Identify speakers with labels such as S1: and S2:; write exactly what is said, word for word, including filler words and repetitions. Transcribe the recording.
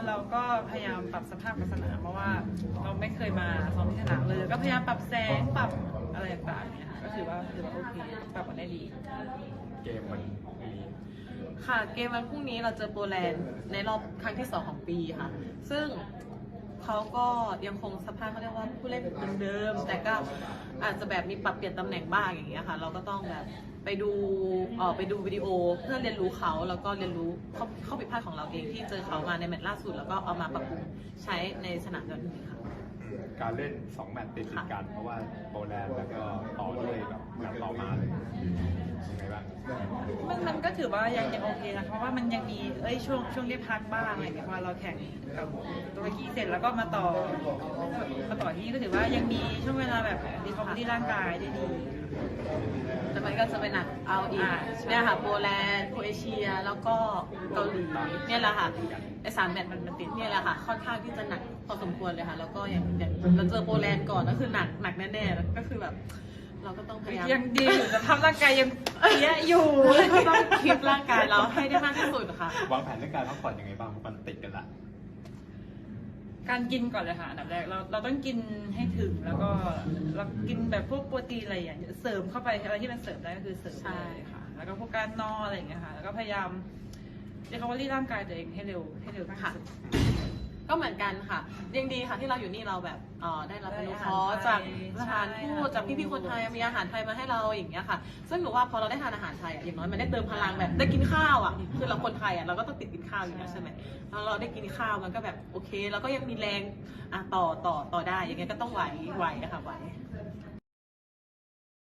S1: เราก็พยายามปรับสภาพของสนามเพราะว่าเราไม่เคยมาซ้อมที่สนามเลยก็พยายามปรับแสงปรับอะไรต่างๆเนี่ยค่ะก็ถือว่าถือว่าโอเคปรับมาได้ดี
S2: เกมมันมี
S3: ค่ะเกมวันพรุ่งนี้เราเจอโปแลนด์ในรอบครั้งที่สองของปีค่ะซึ่งเขาก็ยังคงสภาพเขาเรียกว่าผู้เล่นเดิมๆแต่ก็อาจจะแบบมีปรับเปลี่ยนตำแหน่งบ้างอย่างเงี้ยค่ะเราก็ต้องแบบไปดูเอ่อไปดูวิดีโอเพื่อเรียนรู้เขาแล้วก็เรียนรู้ข้อข้อผิดพลาดของเราเองที่เจอเขามาในแมตช์ล่าสุดแล้วก็เอามาปรับปรุงใช้ในสนามวันนี้ค่ะ
S2: การเล่นสองแมตช์ติดกันเพราะว่าโปแลนด์แล้วก็ต่อด้วยแบบแมตช์ต่อมาเลยยังไงบ้าง
S1: มันมันก็ถือว่ายังยังโอเคนะเพราะว่ามันยังมีเอ้ยช่วงช่วงได้พักบ้างอะไรอย่างเงี้ยพอเราแข่งกับตุรกีเสร็จแล้วก็มาต่อมาต่อที่ก็ถือว่ายังมีช่วงเวลาแบบรีคอมที่ร่างกายได้ดี
S3: แต่มันก็จะไปหนักเอาอีกเนี่ยค่ะโปแลนด์โครเอเชียแล้วก็เกาหลีเนี่ยแหละค่ะไอ้สามแมตช์มันมันติดเนี่ยแหละค่ะค่อนข้างที่จะหนักพอสมควรเลยค่ะแล้วก็อย่างอย่างเราเจอโปแลนด์ก่อนก็คือหนักหนักแน่ๆก็คือแบบเราก็ต้องพยายาม
S1: ยังดีอยู่สภาพร่างกายยังเปี้ยอยู่
S3: ก็ต้องคีปร่างกายเราให้ได้มากที่สุดค่ะ
S2: วางแผนเรื่องการพักผ่อนยังไงบ้างมันติดกันละ
S1: การกินก่อนเลยค่ะอันดับแรกเราเราต้องกินให้ถึงแล้วก็เรากินแบบพวกโปรตีนอะไรอย่างเงี้ยเสริมเข้าไปอะไรที่มันเสริมได้ก็คือเสริม
S3: ใช่
S1: ค่ะแล้วก็พวกการนอนอะไรอย่างเงี้ยค่ะแล้วก็พยายามเรียกว่ารีร่างกายตัวเองให้เร็วให้เร็ว
S3: ค่ะก็เหมือนกันค่ะยังดีค่ะที่เราอยู่นี่เราแบบเออได้รับอนุเคราะห์จากสถานทูตจากพี่ๆคนไทยมีอาหารไทยมาให้เราอย่างเงี้ยค่ะซึ่งหนูว่าพอเราได้ทานอาหารไทยอ่ะอย่างน้อยมันได้เติมพลังแบบได้กินข้าวอ่ะคือเราคนไทยอ่ะเราก็ต้องติดกินข้าวอยู่แล้วใช่ไหมแล้วเราได้กินข้าวมันก็แบบโอเคแล้วก็ยังมีแรงอ่ะต่อต่อต่อได้อย่างเงี้ยก็ต้องไหวไหวอะค่ะไหว